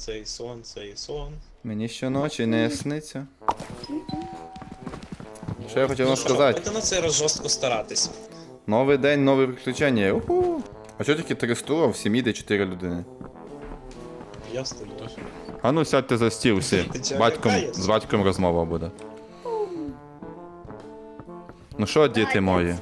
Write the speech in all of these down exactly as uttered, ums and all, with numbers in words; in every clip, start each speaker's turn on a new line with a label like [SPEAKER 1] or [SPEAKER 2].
[SPEAKER 1] сонце і сонце і сон.
[SPEAKER 2] Мені щоночі не сниться. Що я хотів
[SPEAKER 1] Ну
[SPEAKER 2] вам
[SPEAKER 1] що,
[SPEAKER 2] сказати?
[SPEAKER 1] будете на цей раз жорстко старатись.
[SPEAKER 2] Новий день, нові приключення. Уху. А що тільки три стула, в сім'ї де чотири людини?
[SPEAKER 1] Я стою.
[SPEAKER 2] А ну сядьте за стіл всі.
[SPEAKER 1] Ти чого
[SPEAKER 2] Батьком,
[SPEAKER 1] лякаєш?
[SPEAKER 2] з батьком розмова буде. Ну що, діти мої?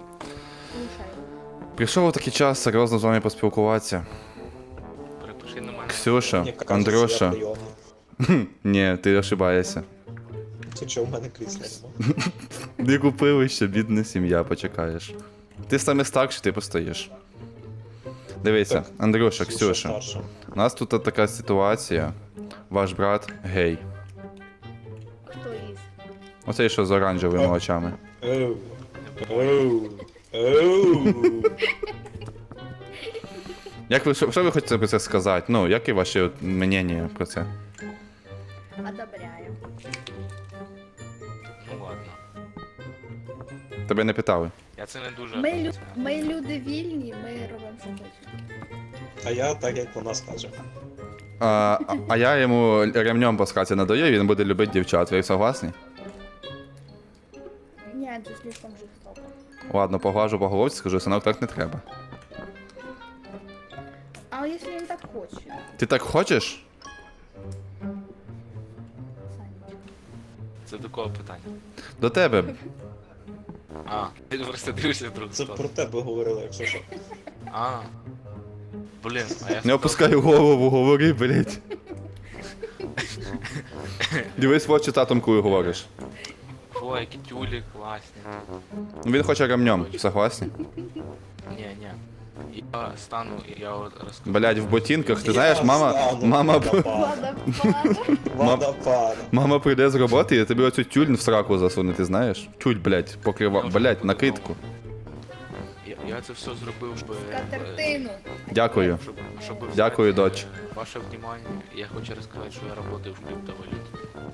[SPEAKER 2] Прийшов такий час серйозно з вами поспілкуватися.
[SPEAKER 3] Перепиши на мене.
[SPEAKER 2] Ксюша,
[SPEAKER 1] Мені кажеться,
[SPEAKER 2] Андрюша.
[SPEAKER 1] я прийомний.
[SPEAKER 2] Ні, ти ошибаєшся.
[SPEAKER 1] Ти чого в мене крісла нема?
[SPEAKER 2] Не купили ще, бідна сім'я, почекаєш. Ти саме старший, ти постоїш. Дивися,
[SPEAKER 1] Так,
[SPEAKER 2] Андрюша,
[SPEAKER 1] Ксюша
[SPEAKER 2] Ксюша.
[SPEAKER 1] старша.
[SPEAKER 2] У нас тут така ситуація. Ваш брат гей.
[SPEAKER 4] Хто із?
[SPEAKER 2] Оцей, що з оранжевими
[SPEAKER 1] О.
[SPEAKER 2] очами.
[SPEAKER 1] Оу. Оу. Оу.
[SPEAKER 2] Як ви, що, що ви хочете про це сказати? Ну, які ваші от мнення про це?
[SPEAKER 4] Одобряю.
[SPEAKER 3] Ну ладно.
[SPEAKER 2] Тебе не питали.
[SPEAKER 3] Я це не дуже.
[SPEAKER 4] Ми, лю... ми люди вільні, ми робимо, що хочемо.
[SPEAKER 1] А я так, як вона скаже.
[SPEAKER 2] А, а, а я йому ремнем по скаті надаю, і він буде любити дівчат. Ви согласні?
[SPEAKER 4] Ні, це слишком жорстоко.
[SPEAKER 2] Ладно, поглажу по головці, скажу, синок, так не треба.
[SPEAKER 4] А якщо він так хоче?
[SPEAKER 2] Ти так хочеш?
[SPEAKER 4] Санечка.
[SPEAKER 3] Це до кого питання?
[SPEAKER 2] До тебе.
[SPEAKER 3] А, ти просто дивишся друг
[SPEAKER 1] Це
[SPEAKER 3] сторону.
[SPEAKER 1] про тебе говорили, якщо що.
[SPEAKER 3] А. Блін, а я
[SPEAKER 2] Не опускай голову, говори, блять. Дивись в очі татом, коли говориш.
[SPEAKER 3] О, які тюлі класні.
[SPEAKER 2] Ну, він хоче ремнем, согласні?
[SPEAKER 3] Ні, ні. Я стану і я от розкажу.
[SPEAKER 2] Блять, в ботинках, ти
[SPEAKER 1] Я
[SPEAKER 2] знаєш, мама,
[SPEAKER 1] стану
[SPEAKER 2] мама,
[SPEAKER 1] водопад.
[SPEAKER 4] Водопад.
[SPEAKER 1] Водопад.
[SPEAKER 2] мама прийде з роботи і тобі оцю тюль в сраку засуне, ти знаєш? Тюль, блять, покрива, блять, накидку.
[SPEAKER 3] Я, я це все зробив, щоб...
[SPEAKER 4] Катертину.
[SPEAKER 2] Дякую.
[SPEAKER 3] Щоб, щоб
[SPEAKER 2] Дякую,
[SPEAKER 3] взяти
[SPEAKER 2] доч.
[SPEAKER 3] Ваше внимание. Я хочу розказати, що я працюю в криптовалюті.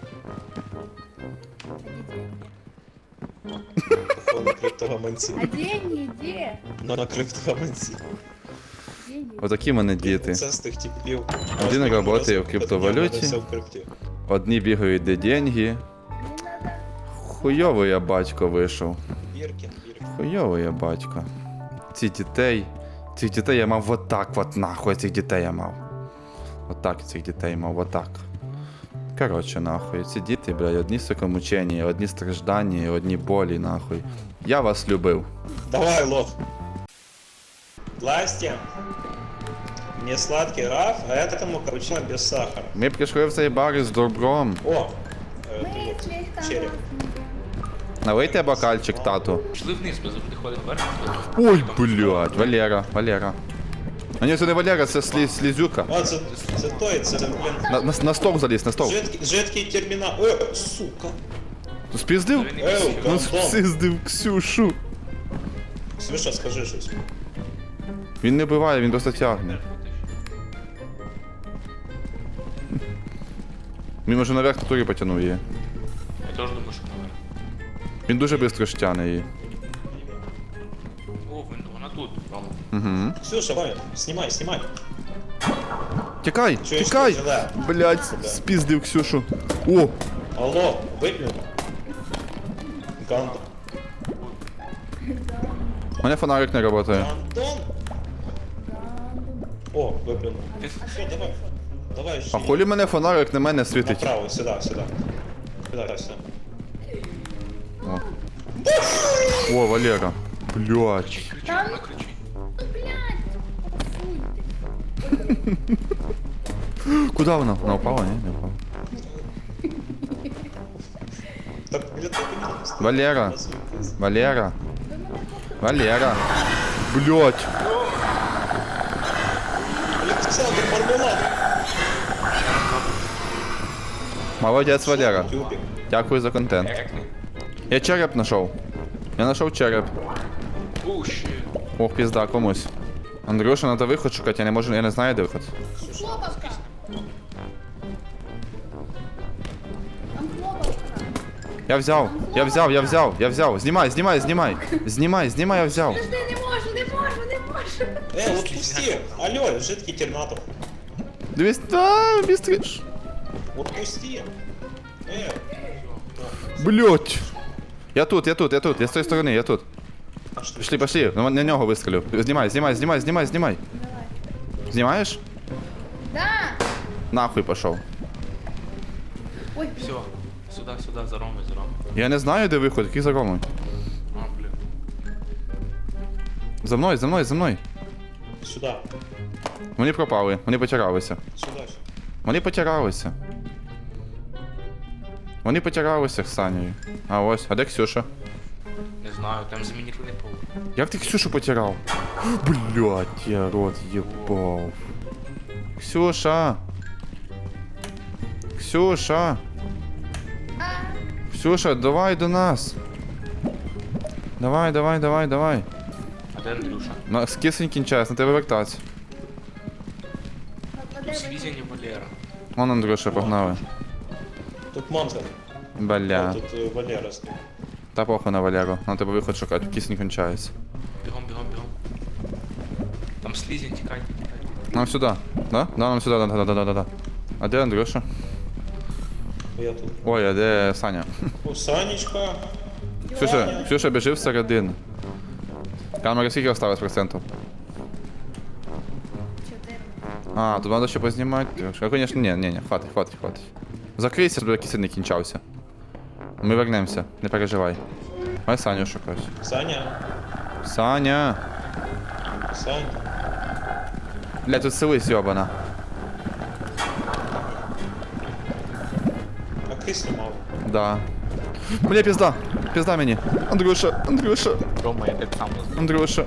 [SPEAKER 1] На криптогаманці.
[SPEAKER 4] А деньги де?
[SPEAKER 1] Ну, на криптогаманці.
[SPEAKER 4] Деньги.
[SPEAKER 2] Отакі в мене діти.
[SPEAKER 1] Це з тих типів.
[SPEAKER 2] Один працює в криптовалюті.
[SPEAKER 1] Все в крипті.
[SPEAKER 2] Одні бігають, де деньги.
[SPEAKER 4] Не надо.
[SPEAKER 2] Хуйовий я батько вийшов.
[SPEAKER 1] Біркін, Біркін.
[SPEAKER 2] Хуйовий я батько. Ці дітей. Цих дітей я мав отак, от нахуй цих дітей я мав. Отак цих дітей мав, отак. Коротше, нахуй. Ці діти, блядь, одні сокомучення, одні страждання, одні болі, нахуй. Я вас любив.
[SPEAKER 1] Давай, лох. Здрасте. Мне сладкий раф, а этому капучино без сахара.
[SPEAKER 2] Ми прийшли в цей бар із добром.
[SPEAKER 1] О! Э,
[SPEAKER 4] Ми
[SPEAKER 1] вот,
[SPEAKER 4] слегка
[SPEAKER 1] череп.
[SPEAKER 2] Налийте бокальчик, тату.
[SPEAKER 3] Пішли вниз, ми завжди ходимо вверх.
[SPEAKER 2] Ой, блядь, Валера, Валера. А ні, це не Валера, це слі, слізюка.
[SPEAKER 1] О, це, це той, це, блін,
[SPEAKER 2] На, на, на стол заліз, на стол.
[SPEAKER 1] жидкий, жидкий термінал. Е, сука.
[SPEAKER 2] Спіздив?
[SPEAKER 1] Еу,
[SPEAKER 2] Ну,
[SPEAKER 1] гандон.
[SPEAKER 2] спіздив Ксюшу.
[SPEAKER 1] Слыша, скажи щось.
[SPEAKER 2] Він не биває, він просто тягне. Він може наверх на турі потягнув її.
[SPEAKER 3] Я теж думаю, що наверх.
[SPEAKER 2] Він дуже швидко штяне її.
[SPEAKER 3] О, він- вона тут. Рома.
[SPEAKER 2] Угу.
[SPEAKER 1] Ксюша, давай, снимай, снимай.
[SPEAKER 2] Тікай,
[SPEAKER 1] Чуєш,
[SPEAKER 2] тікай!
[SPEAKER 1] ти жила?
[SPEAKER 2] Блять, спіздив Ксюшу. О,
[SPEAKER 1] Алло, выпьем. Гандон.
[SPEAKER 2] у мене фонарик не працює.
[SPEAKER 1] Гандон? О, выплюнул. Все, давай. Давай,
[SPEAKER 2] А
[SPEAKER 1] жди.
[SPEAKER 2] хулі мене фонарик на мене світить.
[SPEAKER 1] Направо, сюда, сюда. Сюда, сюда.
[SPEAKER 2] О, О Валера. Блять.
[SPEAKER 3] Кричи,
[SPEAKER 4] Там-
[SPEAKER 3] вона кричить.
[SPEAKER 2] Куди вона? Вона впала, ні? Не впала.
[SPEAKER 1] Так, блин, так и не
[SPEAKER 2] Валера. Валера. Валера. Блять.
[SPEAKER 1] Александр Мармелад.
[SPEAKER 2] Молодець, Валера.
[SPEAKER 1] Тюбик.
[SPEAKER 2] Дякую за контент. Я череп знайшов. Я знайшов череп.
[SPEAKER 3] О, ще.
[SPEAKER 2] Ох, пізда, комусь. Андрюша, надо виход шукати, я не можу, я не знаю, де виход.
[SPEAKER 4] Хлопавка. Там хлопавка.
[SPEAKER 2] Я взяв, я взяв, я взяв, я взяв. Знімай, знімай, знімай. Знімай, знімай, я взяв.
[SPEAKER 4] Подожди, не можу, не можу, не можу.
[SPEAKER 1] Э, вот пусти. Алло, жидкий терминатор.
[SPEAKER 2] Дивись, да, бістріш.
[SPEAKER 1] Отпусти. Э,
[SPEAKER 2] Блять. Я тут, я тут, я тут, я з тої сторони, я тут.
[SPEAKER 1] а что?
[SPEAKER 2] Пішли, пішли, на, на нього вистрілю. Знімай, знімай, знімай, знімай, знімай.
[SPEAKER 4] Давай.
[SPEAKER 2] Знімаєш?
[SPEAKER 4] Да!
[SPEAKER 2] Нахуй пішов.
[SPEAKER 4] Ой,
[SPEAKER 3] Все, сюда, сюда, за Ромой, за Ромой.
[SPEAKER 2] Я не знаю, де виход, який за Ромою.
[SPEAKER 3] А, блин.
[SPEAKER 2] За мною, за мною, за мною.
[SPEAKER 1] Сюда.
[SPEAKER 2] Вони пропали, вони потиралися.
[SPEAKER 1] Сюда.
[SPEAKER 2] Вони потиралися. Вони потиралися з Санєю. А ось, а де Ксюша?
[SPEAKER 3] Не знаю, там замінірований пол.
[SPEAKER 2] Як ти Ксюшу потирав? Блять, я рот єбав. Ксюша! Ксюша! Ксюша, давай до нас! Давай, давай, давай, давай.
[SPEAKER 3] А де Андрюша?
[SPEAKER 2] На з кисень кінчається, на тебе вертатися.
[SPEAKER 4] а
[SPEAKER 3] Тут
[SPEAKER 4] де ви?
[SPEAKER 3] Слізень і Валера.
[SPEAKER 2] Вон Андрюша, погнали.
[SPEAKER 1] Тут монстр.
[SPEAKER 2] Бля.
[SPEAKER 1] Вот тут э, Валера стоит.
[SPEAKER 2] Та похуй на Валеру. На тебе виход шукати, кисень кончається.
[SPEAKER 3] Бігом, бігом, бігом. Там Слізень, тікайте, тікайте.
[SPEAKER 2] Нам сюди. Да? Да, нам сюди, да, да, да, да, да, да. А де Андрюша?
[SPEAKER 1] Я тут.
[SPEAKER 2] Ой, а де Саня?
[SPEAKER 1] О, Санечка.
[SPEAKER 2] Ксюша, Ксюша біжи всередину. Камера скільки осталось процентів?
[SPEAKER 4] Чотири.
[SPEAKER 2] А, тут треба ще познімати. А, конечно, ні, ні, ні, хватить, хватить, хватить. Закрийся, щоб кисень не кінчався. Ми вернемося, не переживай. Ай Саню шукать.
[SPEAKER 1] Саня.
[SPEAKER 2] Саня!
[SPEAKER 1] Саня.
[SPEAKER 2] Бля, тут селись, йобана.
[SPEAKER 1] А кисню мало.
[SPEAKER 2] Да. Бля, пізда! Пізда мені! Андрюша, Андрюша,
[SPEAKER 3] Рома, я так сам не
[SPEAKER 2] Андрюша.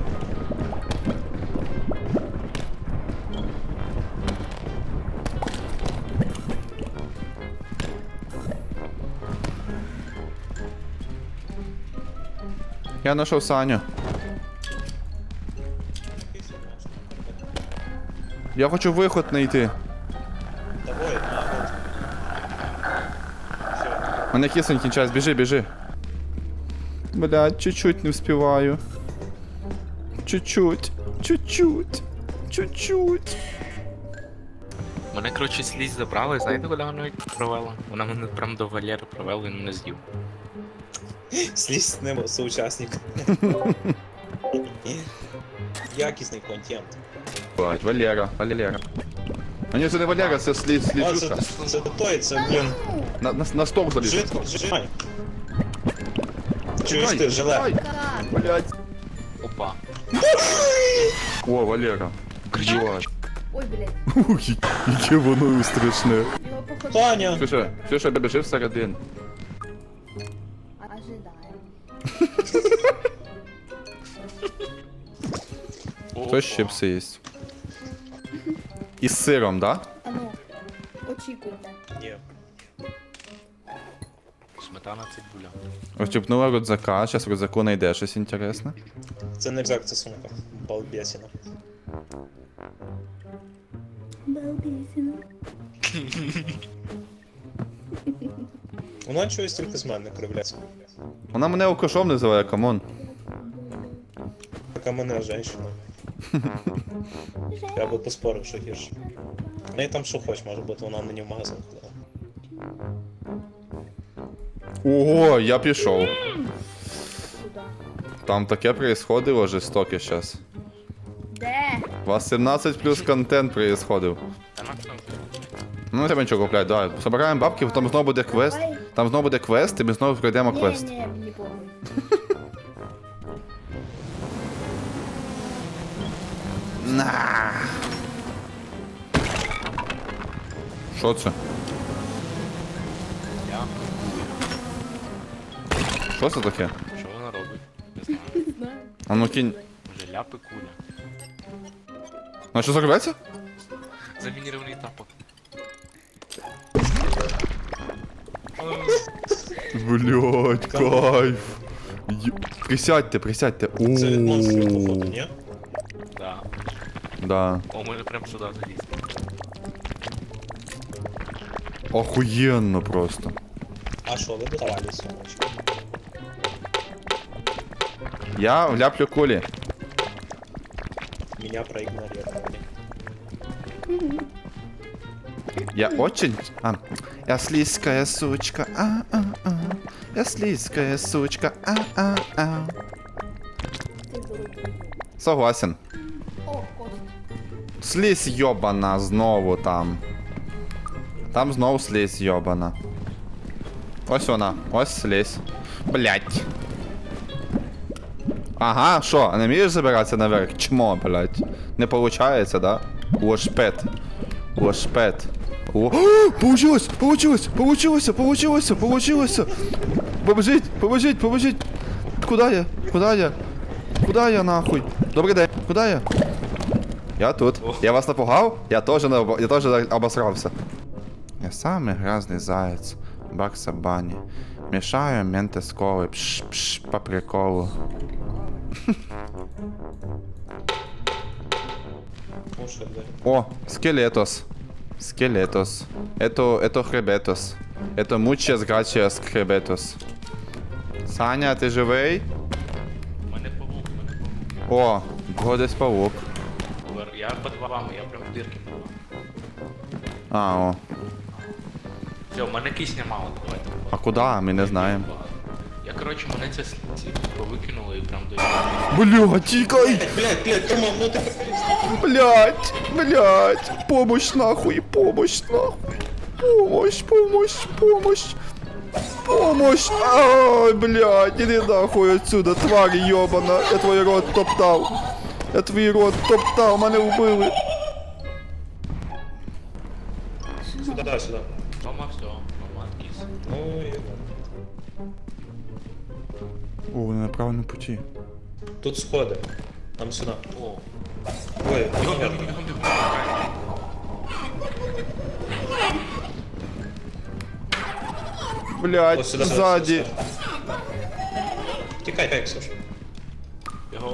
[SPEAKER 2] Я знайшов Саню.
[SPEAKER 1] Кисню мало.
[SPEAKER 2] Я хочу виход знайти.
[SPEAKER 1] Давай, на, вот. Все.
[SPEAKER 2] Мене кисень кінчається, біжи, біжи. Блядь, чуть-чуть не вспіваю. Чуть-чуть, чуть-чуть, чуть-чуть.
[SPEAKER 3] Мене, коротше, слізь забрали, знаєте, куди вона провела? Вона мене прям до Валери провела, він мене з'їв.
[SPEAKER 1] Слізь з ним соучасник. Якісний контент.
[SPEAKER 2] Блядь, Валера, Валера. А ні, це не Валера, це слід,
[SPEAKER 1] А, це,
[SPEAKER 2] сліджуша.
[SPEAKER 1] це той, це, блін,
[SPEAKER 2] На, на, на стол заліз.
[SPEAKER 1] жит, жит. Чуєш ти, жиле?
[SPEAKER 4] Так,
[SPEAKER 2] Блядь.
[SPEAKER 3] Опа.
[SPEAKER 2] О, Валера. Блядь.
[SPEAKER 4] ой, блядь.
[SPEAKER 2] Ух, яке воно страшне.
[SPEAKER 4] Його походу...
[SPEAKER 2] Слушай,
[SPEAKER 1] Таня!
[SPEAKER 2] слушай, біжи всередину.
[SPEAKER 4] Ожидаємо.
[SPEAKER 2] Хто чипси їсть? Із сиром, да?
[SPEAKER 4] А ну, очікуйте.
[SPEAKER 1] Ні.
[SPEAKER 3] Сметана цибуля.
[SPEAKER 2] Очіпнула рюкзака, зараз в рюкзаку знайде щось інтересне.
[SPEAKER 1] Це не рюкзак, це сумка. Балбесіна.
[SPEAKER 4] Балбісіна.
[SPEAKER 1] Вона чогось тільки з мене кривляється.
[SPEAKER 2] Вона мене алкашом називає, камон.
[SPEAKER 1] Така мене женщина. Я би поспорив, що гірше. В неї там що хоч, може бути, вона мені в магазин ходила.
[SPEAKER 2] Ого, я пішов.
[SPEAKER 4] Куда?
[SPEAKER 2] Там таке происходило жорстоке щас.
[SPEAKER 4] Де?
[SPEAKER 2] У вас сімнадцять плюс контент происходив.
[SPEAKER 3] Та на там.
[SPEAKER 2] Ну не треба нічого купляти, давай. Собираємо бабки, там знову буде квест.
[SPEAKER 4] Давай.
[SPEAKER 2] Там знову буде квест, і ми знову пройдемо
[SPEAKER 4] Ні,
[SPEAKER 2] квест.
[SPEAKER 4] ні, мені похуй.
[SPEAKER 2] На. Що це?
[SPEAKER 3] Я.
[SPEAKER 2] Що це таке?
[SPEAKER 3] Що вона робить? Не знаю.
[SPEAKER 4] Не знаю.
[SPEAKER 2] А ну кінь.
[SPEAKER 3] Може ляпи куля.
[SPEAKER 2] Ну що зарветься?
[SPEAKER 3] Замінірований тапок.
[SPEAKER 2] Блять, кайф. Ю- Присядьте, присядьте.
[SPEAKER 1] Це від монстрів, походу,
[SPEAKER 2] Ууу.
[SPEAKER 1] ні?
[SPEAKER 3] Да.
[SPEAKER 2] Да.
[SPEAKER 3] О, може прям сюди залізти.
[SPEAKER 2] Охуєнно просто.
[SPEAKER 1] А що, ви давали сумочку?
[SPEAKER 2] Я вляплю кулі.
[SPEAKER 1] Меня проигнорировали.
[SPEAKER 2] Я очень... А, я слизкая сучка, а-а-а. Я слизкая сучка, а-а-а.
[SPEAKER 4] Ти голубий.
[SPEAKER 2] Согласен.
[SPEAKER 4] О, кот.
[SPEAKER 2] Слизь йобана знову там. Там знову слизь йобана. Ось вона, ось слизь. Блять. Ага, що, не вмієш забиратися наверх? Чмо, блять. Не получається, да? Лошпет. Лошпет. О, получилось, получилось, получилось, получилось, получилось. Поможіть, поможіть, поможіть. Куда я? Куда я? Куда я нахуй? Добрий день, куда я? Я тут. Я вас напугав? Я теж не об- я теж обосрався. Я самый грязный заяц. Бакса Банни. Мешаю менты с колой. Пш, пш, по приколу.
[SPEAKER 1] Уши, да.
[SPEAKER 2] О, скелетос. Скелетос. Это, это хребетос. Это мучес грачиас хребетос. Саня, ти живий?
[SPEAKER 3] У мене павук, у мене павук.
[SPEAKER 2] О, годись павук.
[SPEAKER 3] Вер- Я під вами, я прям дирки павук.
[SPEAKER 2] А, о.
[SPEAKER 3] Все, у мене кисня мало, давайте.
[SPEAKER 2] А куда? Ми не знаємо.
[SPEAKER 3] Я, коротше, мене це с- ці повикинуло і прям до...
[SPEAKER 2] Бля, тікай!
[SPEAKER 1] Блядь, блядь, Тома, ну ты...
[SPEAKER 2] Блять, блять, помощь нахуй, помощь нахуй. Помощь, помощь, помощь. Помощь. Ай, блядь, иди нахуй отсюда, тварь ёбана. Я твой рот топтал. Я твій рот топтал, мене вбили.
[SPEAKER 1] Сюда, сюда.
[SPEAKER 3] Тома, все, Тома, кіс.
[SPEAKER 1] Ну, и...
[SPEAKER 2] О, вони на правильному путі.
[SPEAKER 1] Тут сходы. Нам сюда.
[SPEAKER 3] О,
[SPEAKER 1] Ой,
[SPEAKER 3] бігом,
[SPEAKER 1] наверх.
[SPEAKER 3] бігом, бігом, бігом.
[SPEAKER 2] Блять,
[SPEAKER 1] О, сюда, сюда,
[SPEAKER 2] ззаді.
[SPEAKER 1] сюда. Тикай, как, Саша.
[SPEAKER 3] Бігом.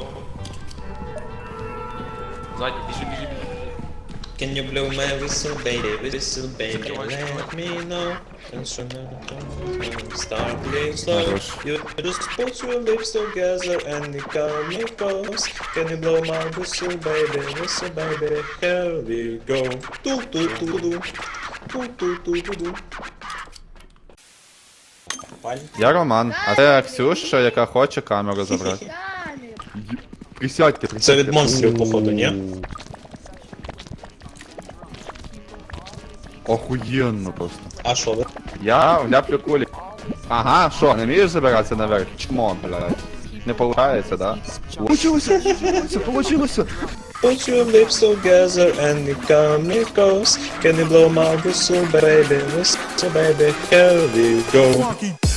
[SPEAKER 3] Ззаді, біжи, біжи, біжи.
[SPEAKER 1] Can you blow my whistle, baby, whistle, baby,
[SPEAKER 3] Закрывай,
[SPEAKER 1] let
[SPEAKER 3] закрывай.
[SPEAKER 1] me know. Instrumental, start playing slow.
[SPEAKER 2] Хорош.
[SPEAKER 1] You just put your lips together and you call me close. Can you blow my whistle, baby, whistle, baby, here we go. Do do do do, do do do do do.
[SPEAKER 2] Я Роман, а це Ксюша, яка хоче камеру забрати.
[SPEAKER 4] Далі.
[SPEAKER 2] Присядьте,
[SPEAKER 1] Це
[SPEAKER 2] присядьте.
[SPEAKER 1] від монстрів, походу, ні?
[SPEAKER 2] Охуєнно просто.
[SPEAKER 1] А що ви?
[SPEAKER 2] Я вляплю кулі. Ага, що, не вмієш забиратися наверх? Чмо, блядь. Не получається, да? Получилося, получилося, получилося.
[SPEAKER 1] Put your lips together and you call me close. Can you blow my whistle, baby, whistle, baby, here we go.